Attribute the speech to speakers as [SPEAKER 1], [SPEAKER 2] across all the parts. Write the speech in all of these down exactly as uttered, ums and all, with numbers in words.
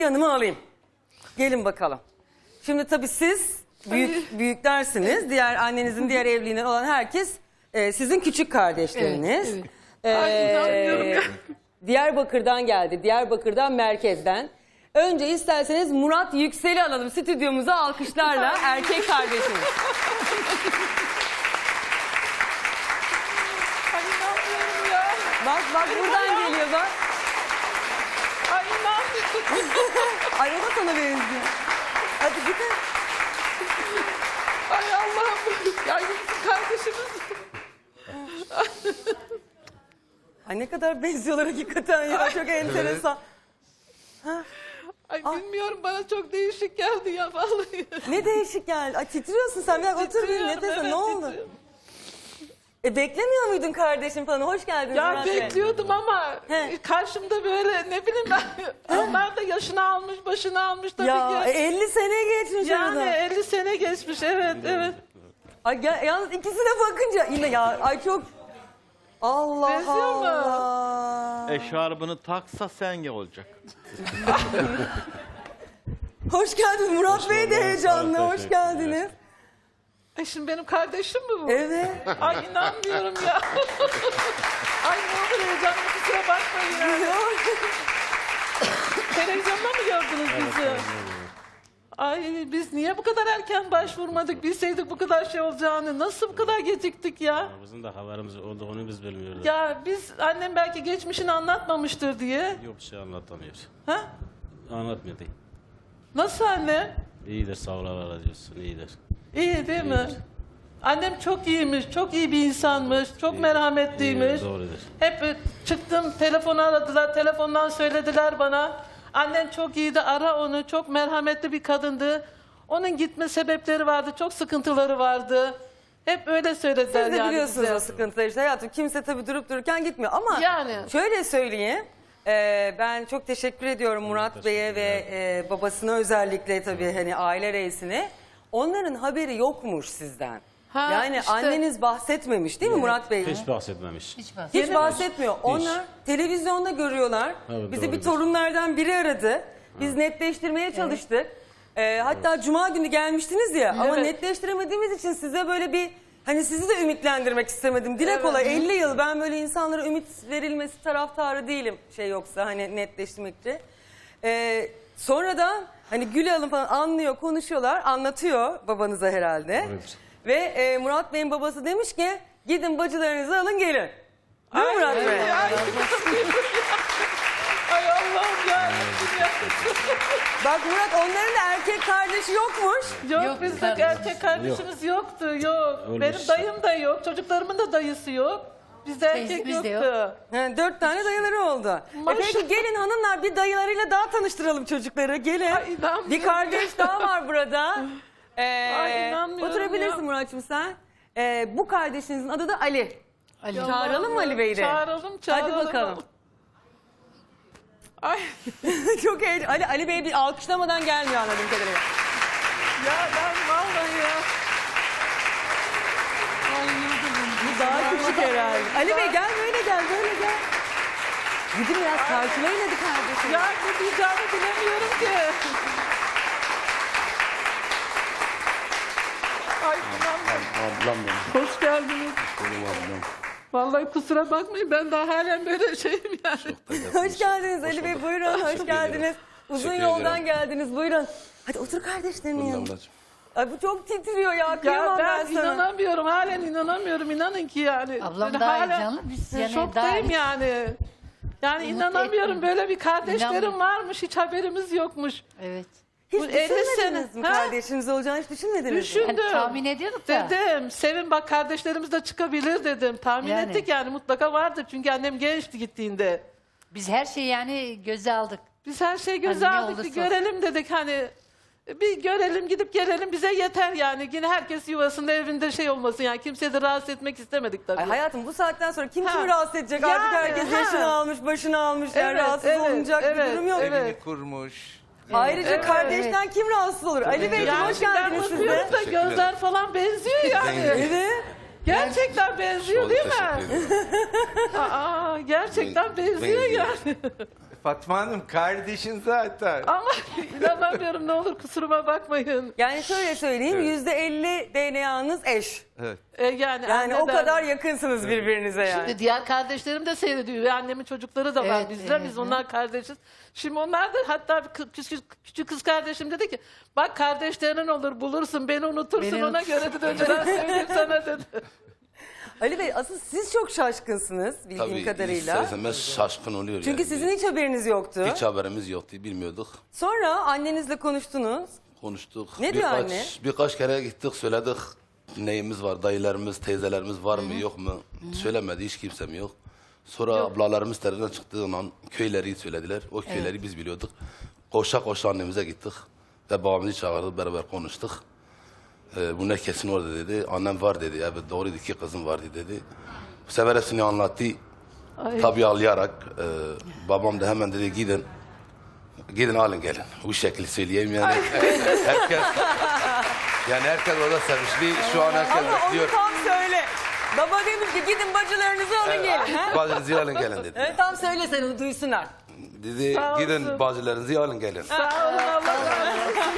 [SPEAKER 1] Yanıma alayım. Gelin bakalım. Şimdi tabii siz büyük büyüklersiniz. Diğer annenizin diğer evliliğinden olan herkes e, sizin küçük kardeşleriniz.
[SPEAKER 2] Evet,
[SPEAKER 1] Ee,
[SPEAKER 2] Ay, inanmıyorum ya.
[SPEAKER 1] Diyarbakır'dan geldi. Diyarbakır'dan merkezden. Önce isterseniz Murat Yüksel'i alalım stüdyomuza alkışlarla, erkek kardeşimiz.
[SPEAKER 2] Ay inanmıyorum ya.
[SPEAKER 1] Bak bak buradan geliyor bak.
[SPEAKER 2] Ay inanmıyorum.
[SPEAKER 1] Ay o da sana benziyor. Hadi gidin.
[SPEAKER 2] Ay Allah'ım. Ya bizim kardeşimiz.
[SPEAKER 1] Ay ne kadar benziyorlar hakikaten ya. Çok enteresan.
[SPEAKER 2] Ay bilmiyorum, bana çok değişik geldi ya vallahi.
[SPEAKER 1] Ne değişik geldi. Ay titriyorsun sen. Bir dakika otur bir
[SPEAKER 2] Titriyorum,
[SPEAKER 1] nefes al.
[SPEAKER 2] evet,
[SPEAKER 1] Ne oldu?
[SPEAKER 2] titriyorum.
[SPEAKER 1] E beklemiyor muydun kardeşim falan? Hoş geldiniz
[SPEAKER 2] Ya
[SPEAKER 1] Murat Bey.
[SPEAKER 2] bekliyordum ama
[SPEAKER 1] He.
[SPEAKER 2] karşımda böyle ne bileyim ben. Onlar da yaşını almış, başını almış tabii
[SPEAKER 1] Ya
[SPEAKER 2] ki.
[SPEAKER 1] e, elli sene geçmiş
[SPEAKER 2] Yani
[SPEAKER 1] arada.
[SPEAKER 2] elli sene geçmiş, evet evet.
[SPEAKER 1] Ay ya, yalnız ikisine bakınca yine ya ay çok Allah
[SPEAKER 2] Benziyor mu?
[SPEAKER 1] Allah.
[SPEAKER 3] Eşarbını taksa sen olacak.
[SPEAKER 1] Hoş geldiniz Murat Bey de heyecanlı.
[SPEAKER 3] Sağ ol,
[SPEAKER 1] Hoş
[SPEAKER 3] teşekkürler.
[SPEAKER 1] geldiniz.
[SPEAKER 2] Ay şimdi benim kardeşim mi bu?
[SPEAKER 1] Evet.
[SPEAKER 2] Ay inanmıyorum ya. Ay ne olur heyecanlı, kusura bakmayın ya. Televizyonda mı gördünüz bizi? Ay biz niye bu kadar erken başvurmadık? Bilseydik bu kadar şey olacağını. Nasıl bu kadar geciktik ya?
[SPEAKER 4] Bizim de haberimiz olduğunu biz bilmiyoruz.
[SPEAKER 2] Ya biz, annem belki geçmişini anlatmamıştır diye.
[SPEAKER 4] Yok, bir şey anlatamıyor.
[SPEAKER 2] Ha?
[SPEAKER 4] Anlatmıyor.
[SPEAKER 2] Nasıl anne?
[SPEAKER 4] İyidir, sağ ol, Allah razı olsun, iyidir.
[SPEAKER 2] İyi değil mi?
[SPEAKER 4] İyidir.
[SPEAKER 2] Annem çok iyiymiş, çok iyi bir insanmış, çok merhametliymiş.
[SPEAKER 4] İyi, doğrudur.
[SPEAKER 2] Hep e, çıktım, telefonu aradılar, telefondan söylediler bana. Annen çok iyiydi, ara onu, çok merhametli bir kadındı. Onun gitme sebepleri vardı, çok sıkıntıları vardı. Hep öyle söylediler
[SPEAKER 1] Siz de
[SPEAKER 2] yani
[SPEAKER 1] biliyorsunuz
[SPEAKER 2] bize.
[SPEAKER 1] o sıkıntıları işte hayatım. Kimse tabii durup dururken gitmiyor ama
[SPEAKER 2] Yani.
[SPEAKER 1] şöyle söyleyeyim. e, ben çok teşekkür ediyorum Murat Bey'e ve e, babasına özellikle tabii hani aile reisine. Onların haberi yokmuş sizden.
[SPEAKER 2] Ha,
[SPEAKER 1] yani
[SPEAKER 2] işte.
[SPEAKER 1] anneniz bahsetmemiş değil mi Murat Bey?
[SPEAKER 4] Hiç bahsetmemiş.
[SPEAKER 1] Hiç
[SPEAKER 2] Yeni-
[SPEAKER 1] bahsetmiyor. Onlar televizyonda görüyorlar.
[SPEAKER 4] Evet,
[SPEAKER 1] Bizi bir
[SPEAKER 4] doğrudur.
[SPEAKER 1] torunlardan biri aradı. Biz netleştirmeye çalıştık. Ee, hatta Cuma günü gelmiştiniz ya ama
[SPEAKER 2] Evet.
[SPEAKER 1] netleştiremediğimiz için size böyle bir hani sizi de ümitlendirmek istemedim. Dile
[SPEAKER 2] Evet.
[SPEAKER 1] kolay elli yıl ben böyle insanlara ümit verilmesi taraftarı değilim şey yoksa hani netleştirmekçi. Ee, sonradan hani Gül Hanım falan anlıyor, konuşuyorlar, anlatıyor babanıza herhalde.
[SPEAKER 4] Evet.
[SPEAKER 1] Ve e, Murat Bey'in babası demiş ki gidin bacılarınızı alın gelin. Değil mi
[SPEAKER 2] Ay,
[SPEAKER 1] Murat Bey?
[SPEAKER 2] ay, ay, ay Allah'ım ya. ya.
[SPEAKER 1] Bak Murat onların da erkek kardeşi yokmuş.
[SPEAKER 2] Yok,
[SPEAKER 5] Yok,
[SPEAKER 2] bizde
[SPEAKER 5] kardeşimiz
[SPEAKER 2] erkek kardeşimiz yoktu, yok.
[SPEAKER 4] Öyle
[SPEAKER 2] Benim
[SPEAKER 4] işte.
[SPEAKER 2] dayım da yok, çocuklarımın da dayısı yok. Bizde erkek
[SPEAKER 5] bizde
[SPEAKER 2] yoktu.
[SPEAKER 5] yok.
[SPEAKER 1] Yani dört tane dayıları oldu. E
[SPEAKER 2] Maşallah.
[SPEAKER 1] peki gelin hanımlar bir dayılarıyla daha tanıştıralım çocukları. Gelin.
[SPEAKER 2] Ay, inanmıyorum.
[SPEAKER 1] Bir kardeş daha var burada. Ee,
[SPEAKER 2] Ay, inanmıyorum
[SPEAKER 1] oturabilirsin
[SPEAKER 2] ya.
[SPEAKER 1] Murat'cığım sen. Ee, bu kardeşinizin adı da Ali.
[SPEAKER 5] Ali.
[SPEAKER 1] Çağıralım mı Ali Bey'i de?
[SPEAKER 2] Çağıralım, çağıralım.
[SPEAKER 1] Hadi bakalım.
[SPEAKER 2] Ay
[SPEAKER 1] Çok heyecanlı. Ali, Ali Bey bir alkışlamadan gelmiyor anladığım kadarıyla.
[SPEAKER 2] ya ben vallahi ya. Ay yıldırım.
[SPEAKER 1] Bu daha küçük herhalde. Ali Bey gel böyle gel böyle gel. Gidin biraz karşılayın hadi kardeşim.
[SPEAKER 2] Ya ne diyeceğimi bilemiyorum ki. Ay inanmıyorum.
[SPEAKER 3] Ablam benim.
[SPEAKER 2] Hoş geldiniz.
[SPEAKER 3] Benim ablam.
[SPEAKER 2] Vallahi kusura bakmayın, ben daha halen böyle şeyim yani.
[SPEAKER 1] Hoş geldiniz Ali Bey buyurun hoş geldiniz. Uzun
[SPEAKER 3] Teşekkür
[SPEAKER 1] yoldan
[SPEAKER 3] ederim.
[SPEAKER 1] geldiniz buyurun. Hadi otur kardeşlerinin
[SPEAKER 3] Buyurun
[SPEAKER 1] yanına.
[SPEAKER 3] ablacığım.
[SPEAKER 1] Ay bu çok titriyor ya
[SPEAKER 2] Ya
[SPEAKER 1] kıyamam ben,
[SPEAKER 2] ben
[SPEAKER 1] sana.
[SPEAKER 2] inanamıyorum, halen inanamıyorum, inanın ki yani.
[SPEAKER 5] Ablam
[SPEAKER 2] Ben
[SPEAKER 5] daha
[SPEAKER 2] hala
[SPEAKER 5] heyecanlı, biz yani
[SPEAKER 2] şoktayım
[SPEAKER 5] daha-
[SPEAKER 2] yani. Yani
[SPEAKER 5] Umut
[SPEAKER 2] inanamıyorum,
[SPEAKER 5] etmiyorum.
[SPEAKER 2] böyle bir kardeşlerim
[SPEAKER 5] İnanmıyorum.
[SPEAKER 2] varmış, hiç haberimiz yokmuş.
[SPEAKER 5] Evet.
[SPEAKER 1] Hiç
[SPEAKER 2] Bu elli
[SPEAKER 1] düşünmediniz
[SPEAKER 2] sene,
[SPEAKER 1] mi
[SPEAKER 2] ha?
[SPEAKER 1] kardeşiniz olacağını hiç düşünmediniz mi?
[SPEAKER 2] Düşün.
[SPEAKER 5] Hani
[SPEAKER 2] Dedim.
[SPEAKER 5] tahmin ediyorduk da.
[SPEAKER 2] Dedim, Sevin bak kardeşlerimiz de çıkabilir dedim. Tahmin
[SPEAKER 5] Yani.
[SPEAKER 2] ettik yani, mutlaka vardır. Çünkü annem gençti gittiğinde.
[SPEAKER 5] Biz her şeyi yani göze aldık.
[SPEAKER 2] Biz her şeyi göze
[SPEAKER 5] Hani ne
[SPEAKER 2] aldık, bir
[SPEAKER 5] olursa
[SPEAKER 2] görelim dedik hani. Bir görelim, gidip gelelim, bize yeter yani. Yine herkes yuvasında, evinde şey olmasın yani. Kimseyi de rahatsız etmek istemedik tabii.
[SPEAKER 1] Ay hayatım bu saatten sonra kim
[SPEAKER 2] Ha.
[SPEAKER 1] kimi rahatsız edecek?
[SPEAKER 2] Yani,
[SPEAKER 1] Artık herkes
[SPEAKER 2] ha.
[SPEAKER 1] yaşını almış, başını almış. Yani
[SPEAKER 2] Evet,
[SPEAKER 1] rahatsız
[SPEAKER 2] evet,
[SPEAKER 1] olunacak bir
[SPEAKER 2] evet,
[SPEAKER 1] durum yok.
[SPEAKER 2] evet.
[SPEAKER 6] Evini kurmuş.
[SPEAKER 1] Ayrıca
[SPEAKER 2] Evet.
[SPEAKER 1] kardeşten kim rahatsız olur? Ali Bey
[SPEAKER 2] Yani
[SPEAKER 1] hoş
[SPEAKER 2] şimdi ben
[SPEAKER 1] geldiniz siz de.
[SPEAKER 2] bakıyorum da gözler falan benziyor yani.
[SPEAKER 1] Evet.
[SPEAKER 2] Gerçekten benziyor
[SPEAKER 6] Oldu,
[SPEAKER 2] değil
[SPEAKER 6] teşekkür
[SPEAKER 2] mi?
[SPEAKER 6] ederim.
[SPEAKER 2] Aa, gerçekten benziyor
[SPEAKER 6] Benziyor.
[SPEAKER 2] yani.
[SPEAKER 6] Fatma Hanım kardeşin zaten.
[SPEAKER 2] Ama inanamıyorum, ne olur kusuruma bakmayın.
[SPEAKER 1] Yani şöyle söyleyeyim, yüzde elli D N A'nız eş.
[SPEAKER 6] Evet.
[SPEAKER 2] E, yani
[SPEAKER 1] Yani o
[SPEAKER 2] anneden-
[SPEAKER 1] kadar yakınsınız birbirinize yani.
[SPEAKER 2] Şimdi diğer kardeşlerim de seyrediyor. Ve annemin çocukları da var
[SPEAKER 5] Evet,
[SPEAKER 2] bizler.
[SPEAKER 5] evet.
[SPEAKER 2] Biz onlar kardeşiz. Şimdi onlar da, hatta bir kı- küçük, küçük kız kardeşim dedi ki bak kardeşlerin olur bulursun, beni unutursun,
[SPEAKER 5] Beni
[SPEAKER 2] ona
[SPEAKER 5] unut-
[SPEAKER 2] göre dedi, önceden söyleyeyim sana dedi.
[SPEAKER 1] Ali Bey asıl siz çok şaşkınsınız bildiğim
[SPEAKER 7] Tabii
[SPEAKER 1] kadarıyla.
[SPEAKER 7] ister istemez şaşkın oluyor
[SPEAKER 1] Çünkü
[SPEAKER 7] yani.
[SPEAKER 1] sizin hiç haberiniz yoktu.
[SPEAKER 7] Hiç haberimiz yoktu, bilmiyorduk.
[SPEAKER 1] Sonra annenizle konuştunuz.
[SPEAKER 7] Konuştuk.
[SPEAKER 1] Ne diyor
[SPEAKER 7] birkaç,
[SPEAKER 1] anne?
[SPEAKER 7] Birkaç kere gittik, söyledik. Neyimiz var, dayılarımız, teyzelerimiz var mı yok mu? Söylemedi, hiç kimsem yok. Sonra ablalarımız terörden çıktığı zaman köyleri söylediler. O köyleri biz biliyorduk. Koşa koşa annemize gittik. Ve babamızı çağırdık, beraber konuştuk. Ee, bunlar kesin orada dedi. Annem var dedi. Evet doğruydu, iki kızım vardı dedi. Bu sefer hepsini anlattı.
[SPEAKER 2] Ay.
[SPEAKER 7] Tabii ağlayarak. E, babam da hemen dedi gidin. Gidin alın gelin. Bu şekilde söyleyeyim yani. herkes yani herkes orada sevinçli. Şu an herkes
[SPEAKER 1] Ama onu
[SPEAKER 7] bekliyor.
[SPEAKER 1] tam söyle. Baba demiş ki gidin bacılarınızı alın gelin. Ha?
[SPEAKER 7] Bacılarınızı alın gelin dedi.
[SPEAKER 1] Evet tam söyle sen onu duysunlar.
[SPEAKER 7] Dedi
[SPEAKER 2] Sağ olsun.
[SPEAKER 7] gidin bacılarınızı alın gelin.
[SPEAKER 2] Sağ olun, Allah razı olsun.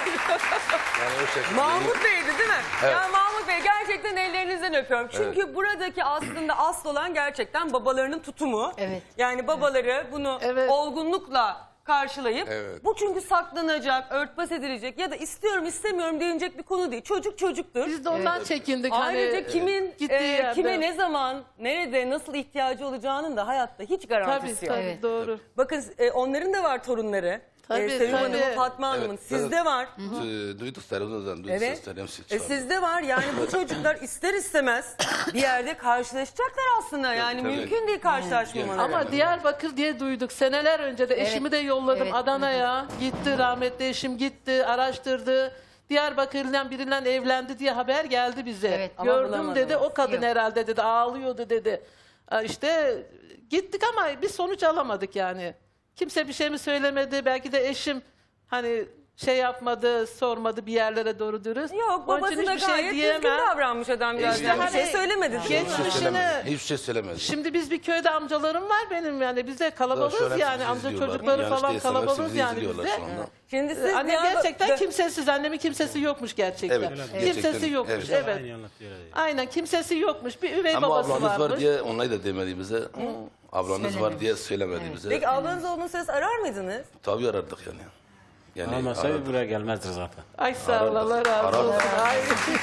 [SPEAKER 7] Yani o şekilde.
[SPEAKER 1] Mahmut Bey'di değil mi?
[SPEAKER 7] Evet.
[SPEAKER 1] Ya Mahmut Bey gerçekten ellerinizden öpüyorum. Çünkü buradaki aslında asıl olan gerçekten babalarının tutumu.
[SPEAKER 5] Evet.
[SPEAKER 1] Yani babaları bunu
[SPEAKER 2] Evet.
[SPEAKER 1] olgunlukla karşılayıp
[SPEAKER 7] Evet.
[SPEAKER 1] bu çünkü saklanacak, örtbas edilecek ya da istiyorum istemiyorum denilecek bir konu değil. Çocuk çocuktur.
[SPEAKER 2] Biz de ondan çekindik.
[SPEAKER 1] Ayrıca
[SPEAKER 2] hani,
[SPEAKER 1] kimin
[SPEAKER 2] gittiği
[SPEAKER 1] e,
[SPEAKER 2] yerde.
[SPEAKER 1] kime ne zaman, nerede, nasıl ihtiyacı olacağının da hayatta hiç
[SPEAKER 2] Tabii
[SPEAKER 1] garantisi yok.
[SPEAKER 2] tabii
[SPEAKER 5] Evet.
[SPEAKER 2] doğru.
[SPEAKER 1] Bakın e, onların da var torunları.
[SPEAKER 2] Tabii,
[SPEAKER 1] e, Sevim
[SPEAKER 2] tabii.
[SPEAKER 1] Hanım'ın, Fatma Hanım'ın.
[SPEAKER 7] Evet,
[SPEAKER 1] Sizde
[SPEAKER 7] evet.
[SPEAKER 1] var.
[SPEAKER 7] E, Duyduk televizyondan, duyduk
[SPEAKER 1] Evet.
[SPEAKER 7] sesleri, hepsi
[SPEAKER 1] E,
[SPEAKER 7] çıkardı.
[SPEAKER 1] sizde var. Yani bu çocuklar ister istemez bir yerde karşılaşacaklar aslında. Yani
[SPEAKER 7] tabii.
[SPEAKER 1] mümkün değil karşılaşmamaları.
[SPEAKER 2] Ama Diyarbakır diye duyduk. Seneler önce de eşimi de yolladım
[SPEAKER 5] Evet.
[SPEAKER 2] Adana'ya. Gitti, rahmetli eşim gitti, araştırdı. Diyarbakır'dan biriyle evlendi diye haber geldi bize.
[SPEAKER 5] Evet, ama
[SPEAKER 2] Gördüm
[SPEAKER 1] bulamadınız.
[SPEAKER 2] dedi, o kadın
[SPEAKER 5] Yok.
[SPEAKER 2] herhalde dedi, ağlıyordu dedi. Ha, İşte gittik ama bir sonuç alamadık yani. Kimse bir şey mi söylemedi, belki de eşim hani şey yapmadı, sormadı bir yerlere doğru dürüst.
[SPEAKER 1] Yok
[SPEAKER 2] Onun
[SPEAKER 1] babası
[SPEAKER 2] için
[SPEAKER 1] da
[SPEAKER 2] hiçbir
[SPEAKER 1] gayet
[SPEAKER 2] şey
[SPEAKER 1] düzgün
[SPEAKER 2] diyemem.
[SPEAKER 1] davranmış adamcağız.
[SPEAKER 7] İşte
[SPEAKER 1] Yani bir
[SPEAKER 2] hani-
[SPEAKER 1] şey söylemedi.
[SPEAKER 7] Hiçbir şey
[SPEAKER 2] Geçmişine-
[SPEAKER 7] söylemedi. Hiçbir şey söylemedi.
[SPEAKER 2] Şimdi biz bir köyde amcalarım var benim yani, biz de kalabalığız
[SPEAKER 7] Şöyle
[SPEAKER 2] yani,
[SPEAKER 7] bizi
[SPEAKER 2] amca
[SPEAKER 7] izliyorlar.
[SPEAKER 2] çocukları
[SPEAKER 7] Yanlış
[SPEAKER 2] falan
[SPEAKER 7] değilsem hepsi
[SPEAKER 2] kalabalığız
[SPEAKER 7] bizi
[SPEAKER 2] yani
[SPEAKER 7] izliyorlar
[SPEAKER 2] bizde.
[SPEAKER 7] şu anda.
[SPEAKER 1] Şimdi siz
[SPEAKER 2] Annem
[SPEAKER 1] Diyarbakır-
[SPEAKER 2] gerçekten kimsesiz, annemin kimsesi yokmuş gerçekten.
[SPEAKER 7] Evet,
[SPEAKER 2] Kimsesi
[SPEAKER 7] gerçekten,
[SPEAKER 2] yokmuş,
[SPEAKER 7] evet.
[SPEAKER 2] evet.
[SPEAKER 4] Aynı anlatıyor. öyle.
[SPEAKER 2] Aynen, kimsesi yokmuş, bir üvey
[SPEAKER 7] Ama
[SPEAKER 2] babası
[SPEAKER 7] ablanız
[SPEAKER 2] varmış.
[SPEAKER 7] var diye onları da demedi bize. Ablanız var diye söylemedi bize.
[SPEAKER 1] Peki ablanız olduğunu ses arar mıydınız?
[SPEAKER 7] Tabii arardık yani. Yani
[SPEAKER 4] Olmasa
[SPEAKER 7] arardık.
[SPEAKER 4] buraya gelmezdi zaten.
[SPEAKER 2] Ay sağ ol,
[SPEAKER 7] Arardık,
[SPEAKER 2] Allah razı
[SPEAKER 7] arardık.
[SPEAKER 2] olsun. Ay.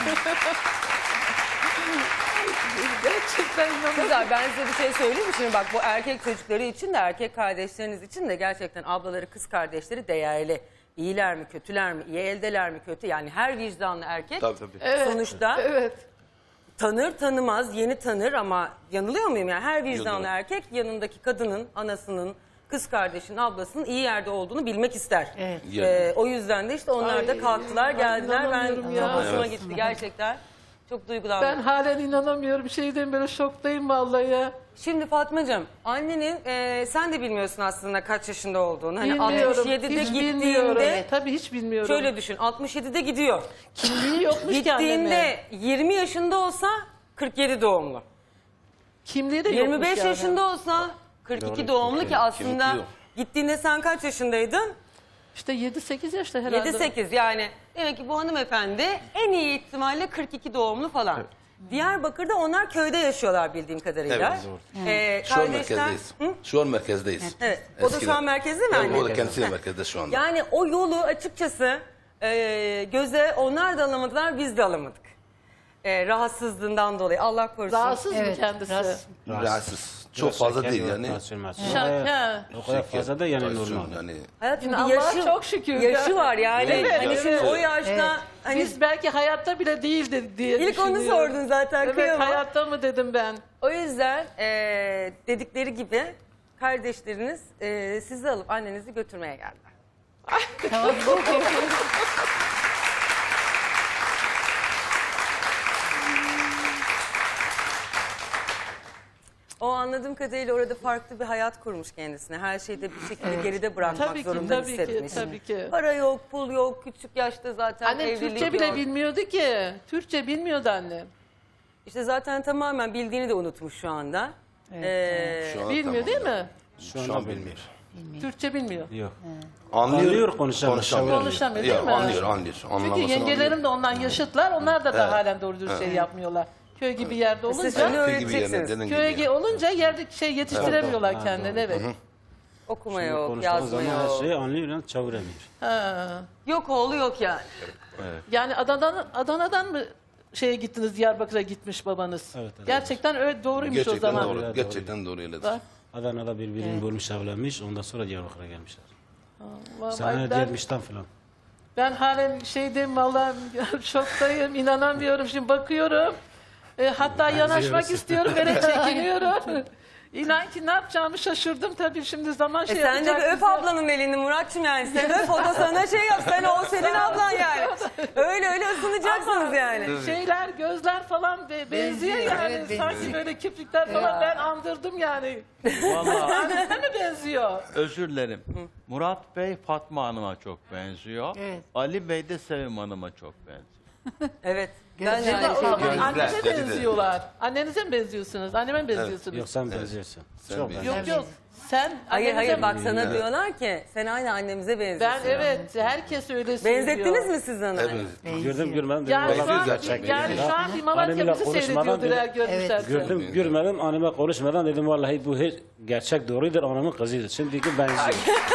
[SPEAKER 2] Gerçekten inanamıyorum.
[SPEAKER 1] Güzel, ben size bir şey söyleyeyim mi? Şimdi bak bu erkek çocukları için de erkek kardeşleriniz için de gerçekten ablaları kız kardeşleri değerli. İyiler mi kötüler mi? İyi eldeler mi kötü? Yani her vicdanlı erkek
[SPEAKER 7] Tabii tabii.
[SPEAKER 2] Evet,
[SPEAKER 1] sonuçta
[SPEAKER 2] evet.
[SPEAKER 1] tanır tanımaz yeni tanır ama yanılıyor muyum? Yani her vicdanlı
[SPEAKER 7] Yanılıyor.
[SPEAKER 1] erkek yanındaki kadının, anasının, kız kardeşinin, ablasının iyi yerde olduğunu bilmek ister.
[SPEAKER 5] Evet.
[SPEAKER 1] Ee, o yüzden de işte onlar da
[SPEAKER 2] Ay,
[SPEAKER 1] kalktılar
[SPEAKER 2] ay,
[SPEAKER 1] geldiler. Ben
[SPEAKER 2] inanamıyorum
[SPEAKER 1] çok
[SPEAKER 2] ya.
[SPEAKER 1] hoşuma
[SPEAKER 7] Evet.
[SPEAKER 1] gitti gerçekten. Çok duygulandım.
[SPEAKER 2] Ben halen inanamıyorum, şeyden böyle şoktayım vallahi ya.
[SPEAKER 1] Şimdi Fatmacığım, annenin e, sen de bilmiyorsun aslında kaç yaşında olduğunu. Hani
[SPEAKER 2] Bilmiyorum,
[SPEAKER 1] altmış yedide
[SPEAKER 2] hiç bilmiyorum.
[SPEAKER 1] gittiğinde
[SPEAKER 2] Tabii hiç bilmiyorum.
[SPEAKER 1] şöyle düşün. altmış yedide gidiyor.
[SPEAKER 2] Kimliği yokmuş ki annemin.
[SPEAKER 1] Gittiğinde yirmi yaşında olsa kırk yedi doğumlu.
[SPEAKER 2] Kimliği de yokmuş
[SPEAKER 1] yirmi beş
[SPEAKER 2] yani.
[SPEAKER 1] yaşında olsa kırk iki doğumlu ki aslında
[SPEAKER 7] Kimlik yok.
[SPEAKER 1] gittiğinde sen kaç yaşındaydın?
[SPEAKER 2] İşte yedi sekiz yaşta herhalde.
[SPEAKER 1] yedi sekiz yani. Demek ki bu hanımefendi en iyi ihtimalle kırk iki doğumlu falan. Diyarbakır'da onlar köyde yaşıyorlar bildiğim kadarıyla.
[SPEAKER 7] Evet,
[SPEAKER 1] Ee,
[SPEAKER 7] Şu an
[SPEAKER 1] kardeşler-
[SPEAKER 7] merkezdeyiz.
[SPEAKER 1] Hı?
[SPEAKER 7] Şu an merkezdeyiz.
[SPEAKER 1] Evet. O da şu
[SPEAKER 7] Eskiden.
[SPEAKER 1] an merkezde mi
[SPEAKER 7] Evet,
[SPEAKER 1] anne?
[SPEAKER 7] o da kendisi de merkezde şu anda.
[SPEAKER 1] Yani o yolu açıkçası e, göze onlar da alamadılar, biz de alamadık. E, rahatsızlığından dolayı. Allah korusun.
[SPEAKER 2] Rahatsız mı
[SPEAKER 5] Evet,
[SPEAKER 2] kendisi?
[SPEAKER 5] rahatsız.
[SPEAKER 7] Rahatsız. Çok
[SPEAKER 4] Biraz
[SPEAKER 7] fazla
[SPEAKER 4] şeker
[SPEAKER 7] değil
[SPEAKER 4] var,
[SPEAKER 7] yani.
[SPEAKER 4] tansiyon, mansiyon.
[SPEAKER 2] Şaka.
[SPEAKER 4] O kadar fazla da yani
[SPEAKER 7] Tansiyon
[SPEAKER 4] normal.
[SPEAKER 7] yani.
[SPEAKER 1] Hayatım
[SPEAKER 2] Allah'a
[SPEAKER 1] bir yaşı,
[SPEAKER 2] çok şükür
[SPEAKER 1] yaşı
[SPEAKER 2] ya.
[SPEAKER 1] var yani.
[SPEAKER 2] Evet,
[SPEAKER 1] hani
[SPEAKER 2] evet.
[SPEAKER 1] şimdi o yaşta
[SPEAKER 5] Evet.
[SPEAKER 1] hani
[SPEAKER 2] Biz belki hayatta bile değildi diye
[SPEAKER 1] ilk onu
[SPEAKER 2] düşünüyorum.
[SPEAKER 1] sordun zaten
[SPEAKER 2] Evet,
[SPEAKER 1] kıyamam.
[SPEAKER 2] hayatta mı dedim ben.
[SPEAKER 1] O yüzden e, dedikleri gibi kardeşleriniz e, sizi alıp annenizi götürmeye geldiler.
[SPEAKER 5] Tamam.
[SPEAKER 1] O anladığım kadarıyla orada farklı bir hayat kurmuş kendisine. Her şeyi de bir şekilde geride bırakmak
[SPEAKER 2] Tabii ki,
[SPEAKER 1] zorunda
[SPEAKER 2] tabii ki,
[SPEAKER 1] hissetmiş.
[SPEAKER 2] tabii ki.
[SPEAKER 1] Para yok, pul yok, küçük yaşta zaten
[SPEAKER 2] Annem
[SPEAKER 1] evlilik
[SPEAKER 2] Türkçe bile
[SPEAKER 1] yok.
[SPEAKER 2] bilmiyordu ki. Türkçe bilmiyordu annem.
[SPEAKER 1] İşte zaten tamamen bildiğini de unutmuş şu anda. Ee,
[SPEAKER 7] Şu anda
[SPEAKER 2] Bilmiyor
[SPEAKER 7] tamam.
[SPEAKER 2] değil mi?
[SPEAKER 4] Şu
[SPEAKER 7] Şu
[SPEAKER 4] anda
[SPEAKER 7] an
[SPEAKER 4] bilmiyor.
[SPEAKER 7] bilmiyor.
[SPEAKER 2] Türkçe bilmiyor.
[SPEAKER 4] Yok.
[SPEAKER 7] Anlıyor,
[SPEAKER 4] Anlıyor, konuşamıyor.
[SPEAKER 7] konuşamıyor.
[SPEAKER 2] Konuşamıyor, değil
[SPEAKER 7] Ya,
[SPEAKER 2] mi?
[SPEAKER 7] Anlıyor, anlıyor.
[SPEAKER 2] Çünkü
[SPEAKER 7] Anlamasını
[SPEAKER 2] yengelerim
[SPEAKER 7] anlıyor.
[SPEAKER 2] de ondan yaşıtlar. Onlar da, da halen doğru düzgün şey yapmıyorlar. Köy gibi yerde
[SPEAKER 1] Siz
[SPEAKER 2] olunca,
[SPEAKER 1] şimdi
[SPEAKER 7] Köy gibi yerine,
[SPEAKER 1] öğreteceksiniz.
[SPEAKER 7] dediğin gibi
[SPEAKER 2] köye
[SPEAKER 7] yani.
[SPEAKER 2] ge- olunca yerde şey yetiştiremiyorlar kendileri. Evet.
[SPEAKER 1] Okuma
[SPEAKER 4] Şimdi
[SPEAKER 1] yok,
[SPEAKER 4] konuştuğun
[SPEAKER 1] yazma
[SPEAKER 4] zaman her
[SPEAKER 1] yok.
[SPEAKER 4] şeyi anlıyor yani çeviremiyor.
[SPEAKER 2] Ha.
[SPEAKER 1] Yok oğlu yok yani.
[SPEAKER 2] Yani Adana'dan Adana'dan mı şeye gittiniz, Diyarbakır'a gitmiş babanız?
[SPEAKER 4] Evet, evet.
[SPEAKER 2] Gerçekten öyle doğruymuş o
[SPEAKER 7] Gerçekten
[SPEAKER 2] zaman.
[SPEAKER 7] doğru.
[SPEAKER 4] Doğru.
[SPEAKER 7] Gerçekten doğru öyledir.
[SPEAKER 2] Bak,
[SPEAKER 4] Adana'da birbirini bulmuş, evlenmiş. Ondan sonra Diyarbakır'a gelmişler.
[SPEAKER 2] vallahi
[SPEAKER 4] Sene
[SPEAKER 2] ben,
[SPEAKER 4] gelmişten falan.
[SPEAKER 2] ben halen şeydeyim vallahi şoktayım, inanamıyorum. Şimdi bakıyorum. E, hatta yanaşmak istiyorum, böyle çekiniyorum. İnan ki ne yapacağımı şaşırdım tabii, şimdi zaman
[SPEAKER 1] E
[SPEAKER 2] şey
[SPEAKER 1] sen de bir
[SPEAKER 2] yapacak
[SPEAKER 1] öp
[SPEAKER 2] bize.
[SPEAKER 1] ablanın elini Muratçım yani. Sen öp, o da sana şey yap. Sen o senin ablan yani. Öyle öyle ısınacaksınız yani.
[SPEAKER 2] Şeyler, gözler falan be- benziyor,
[SPEAKER 5] Benziyor,
[SPEAKER 2] yani.
[SPEAKER 5] evet,
[SPEAKER 2] Sanki
[SPEAKER 5] benziyor.
[SPEAKER 2] böyle kirpikler falan ben andırdım yani.
[SPEAKER 3] Vallahi
[SPEAKER 2] Annesine mi benziyor?
[SPEAKER 3] özür dilerim. Murat Bey Fatma Hanım'a çok benziyor.
[SPEAKER 5] Evet.
[SPEAKER 3] Ali Bey de Sevim Hanım'a çok benziyor.
[SPEAKER 1] Evet. Ben de
[SPEAKER 5] Gözleri
[SPEAKER 2] Ya da
[SPEAKER 1] aynı
[SPEAKER 2] o
[SPEAKER 1] şeyi
[SPEAKER 2] zaman
[SPEAKER 1] diyorum.
[SPEAKER 2] annene
[SPEAKER 7] Gözler, dedi de.
[SPEAKER 2] benziyorlar. Annenize mi benziyorsunuz? Anneme mi benziyorsunuz?
[SPEAKER 4] Yok sen benziyorsun.
[SPEAKER 7] Sen
[SPEAKER 4] Çok
[SPEAKER 7] benziyorsun.
[SPEAKER 4] benziyorsun.
[SPEAKER 2] Yok yok. Sen
[SPEAKER 1] Hayır
[SPEAKER 2] annenize
[SPEAKER 1] hayır bak
[SPEAKER 2] mi-
[SPEAKER 1] sana diyorlar ki sen aynı annemize
[SPEAKER 2] Ben
[SPEAKER 1] benziyorsun.
[SPEAKER 2] evet, herkes öyle söylüyor.
[SPEAKER 1] Benzettiniz mi siz onu?
[SPEAKER 7] Evet.
[SPEAKER 4] Gördüm görmedim. dedim,
[SPEAKER 2] Yani şu
[SPEAKER 4] vallahi
[SPEAKER 2] an,
[SPEAKER 4] gerçek
[SPEAKER 2] yani
[SPEAKER 4] değil.
[SPEAKER 2] şu an bir Malatya
[SPEAKER 4] Annemle
[SPEAKER 2] bizi
[SPEAKER 4] konuşmadan
[SPEAKER 2] seyrediyordur eğer
[SPEAKER 4] dedim-
[SPEAKER 2] görmüşlerse.
[SPEAKER 4] Gördüm görmedim, anneme konuşmadan dedim vallahi bu her gerçek doğrudur, anamın kızıydı. Şimdiki benziyor.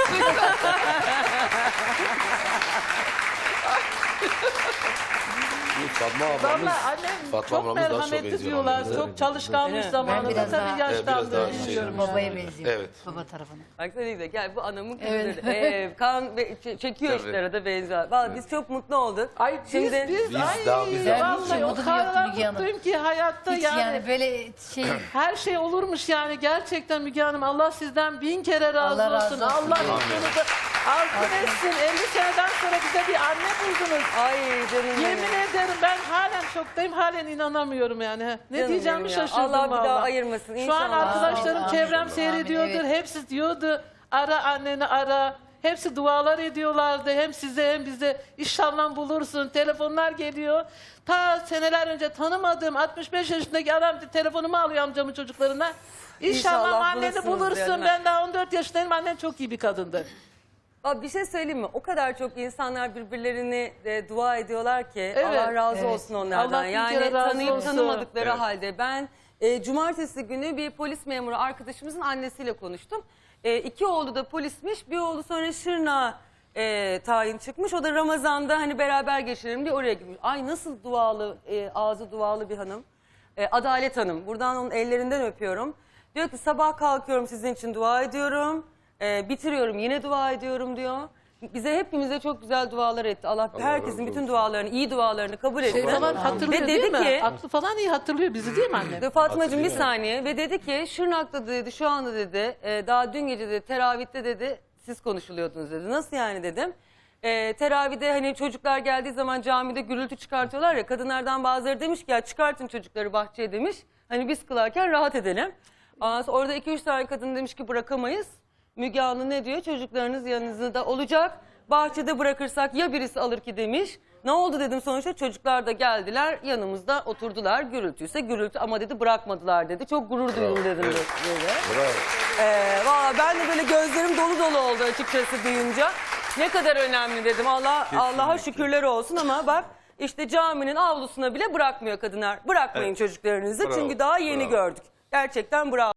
[SPEAKER 7] Fatma ablamız,
[SPEAKER 2] Valla annem
[SPEAKER 7] Fatma
[SPEAKER 2] çok
[SPEAKER 7] ablamız daha çok
[SPEAKER 2] merhametli
[SPEAKER 7] benziyor
[SPEAKER 2] diyorlar.
[SPEAKER 7] annemize.
[SPEAKER 2] Çok çalışkanmış
[SPEAKER 1] Evet.
[SPEAKER 5] Ben
[SPEAKER 2] zamanında.
[SPEAKER 5] biraz
[SPEAKER 2] Tabii
[SPEAKER 5] daha-
[SPEAKER 7] Evet, biraz daha
[SPEAKER 2] yaşlandı.
[SPEAKER 7] şey.
[SPEAKER 2] Biliyorum
[SPEAKER 5] Babaya
[SPEAKER 2] yani.
[SPEAKER 5] benziyor.
[SPEAKER 7] Evet.
[SPEAKER 5] Baba tarafına.
[SPEAKER 1] Bak ne güzel. Gel bu anamın kızı.
[SPEAKER 5] Evet.
[SPEAKER 1] Ee, kan ve ç- çekiyor
[SPEAKER 7] Tabii.
[SPEAKER 1] işte arada benziyor. Vallahi biz çok mutlu olduk.
[SPEAKER 2] Ay biz,
[SPEAKER 1] Şimdi
[SPEAKER 2] biz,
[SPEAKER 7] Biz
[SPEAKER 2] ay
[SPEAKER 7] daha- biz
[SPEAKER 5] daha-
[SPEAKER 2] vallahi
[SPEAKER 5] Hiç
[SPEAKER 2] o
[SPEAKER 5] umudum
[SPEAKER 2] kadar
[SPEAKER 5] yoktu Müge Hanım.
[SPEAKER 2] mutluyum ki hayatta
[SPEAKER 5] Hiç
[SPEAKER 2] yani.
[SPEAKER 5] yani böyle şey
[SPEAKER 2] Her şey olurmuş yani, gerçekten Müge Hanım. Allah sizden bin kere razı
[SPEAKER 5] Allah razı
[SPEAKER 2] olsun.
[SPEAKER 5] olsun.
[SPEAKER 2] Allah mutluluğunuzu altın etsin. elli seneden sonra bize bir anne buldunuz.
[SPEAKER 1] ay canım benim.
[SPEAKER 2] Yemin ederim ben halen şoktayım. Halen inanamıyorum yani. Ne
[SPEAKER 1] Canım
[SPEAKER 2] diyeceğimi
[SPEAKER 1] benim ya.
[SPEAKER 2] şaşırdım
[SPEAKER 1] Allah bir daha
[SPEAKER 2] vallahi.
[SPEAKER 1] ayırmasın
[SPEAKER 2] Şu an
[SPEAKER 1] inşallah.
[SPEAKER 2] arkadaşlarım,
[SPEAKER 5] Amin,
[SPEAKER 2] çevrem
[SPEAKER 5] amin,
[SPEAKER 2] seyrediyordur.
[SPEAKER 5] evet.
[SPEAKER 2] Hepsi diyordu ara anneni ara. Hepsi dualar ediyorlardı. Hem size hem bize. İnşallah bulursun. Telefonlar geliyor. Ta seneler önce tanımadığım altmış beş yaşındaki adam telefonumu alıyor amcamın çocuklarına. İnşallah,
[SPEAKER 1] İnşallah
[SPEAKER 2] anneni
[SPEAKER 1] bulursunuz
[SPEAKER 2] bulursun.
[SPEAKER 1] diyorum.
[SPEAKER 2] Ben daha on dört yaşındayım. Annem çok iyi bir kadındı.
[SPEAKER 1] Abi bir şey söyleyeyim mi? O kadar çok insanlar birbirlerini e, dua ediyorlar ki
[SPEAKER 2] Evet.
[SPEAKER 1] Allah razı
[SPEAKER 5] Evet.
[SPEAKER 1] olsun onlardan.
[SPEAKER 2] Allah bin
[SPEAKER 1] Yani
[SPEAKER 2] kere razı
[SPEAKER 1] tanıyıp
[SPEAKER 2] olsun.
[SPEAKER 1] tanımadıkları
[SPEAKER 7] Evet.
[SPEAKER 1] halde ben e, cumartesi günü bir polis memuru arkadaşımızın annesiyle konuştum. E, iki oğlu da polismiş. Bir oğlu sonra Şırnak'a e, tayin çıkmış. O da Ramazan'da hani beraber geçirelim diye oraya gitmiş. Ay nasıl dualı, e, ağzı dualı bir hanım. E, Adalet Hanım. Buradan onun ellerinden öpüyorum. Diyor ki sabah kalkıyorum sizin için dua ediyorum. E, bitiriyorum yine dua ediyorum diyor. Bize hepimize çok güzel dualar etti. Allah, herkesin bütün dualarını, iyi dualarını kabul etti.
[SPEAKER 2] Şey falan hatırlıyor
[SPEAKER 1] Ve
[SPEAKER 2] değil
[SPEAKER 1] dedi
[SPEAKER 2] mi?
[SPEAKER 1] ki
[SPEAKER 2] Aklı falan iyi hatırlıyor bizi değil mi annem?
[SPEAKER 1] ve Fatmacığım bir saniye ve dedi ki Şırnak'ta dedi şu anda dedi e, daha dün gece dedi teravihte dedi siz konuşuluyordunuz dedi. Nasıl yani dedim. E, teravihde hani çocuklar geldiği zaman camide gürültü çıkartıyorlar ya kadınlardan bazıları demiş ki ya çıkartın çocukları bahçeye demiş. Hani biz kılarken rahat edelim. Ondan sonra orada iki üç tane kadın demiş ki bırakamayız. Müge Anlı ne diyor? Çocuklarınız yanınızda olacak. Bahçede bırakırsak ya birisi alır ki demiş. Ne oldu dedim sonuçta çocuklar da geldiler yanımızda oturdular. Gürültüyse gürültü ama dedi bırakmadılar dedi. Çok gurur duydum dedim. Dedi.
[SPEAKER 7] Bravo.
[SPEAKER 1] Ee, valla ben de böyle gözlerim dolu dolu oldu açıkçası duyunca. Ne kadar önemli dedim. Allah Allah'a şükürler olsun ama bak işte caminin avlusuna bile bırakmıyor kadınlar. Bırakmayın çocuklarınızı
[SPEAKER 7] Bravo,
[SPEAKER 1] çünkü daha yeni
[SPEAKER 7] bravo.
[SPEAKER 1] gördük. Gerçekten bravo.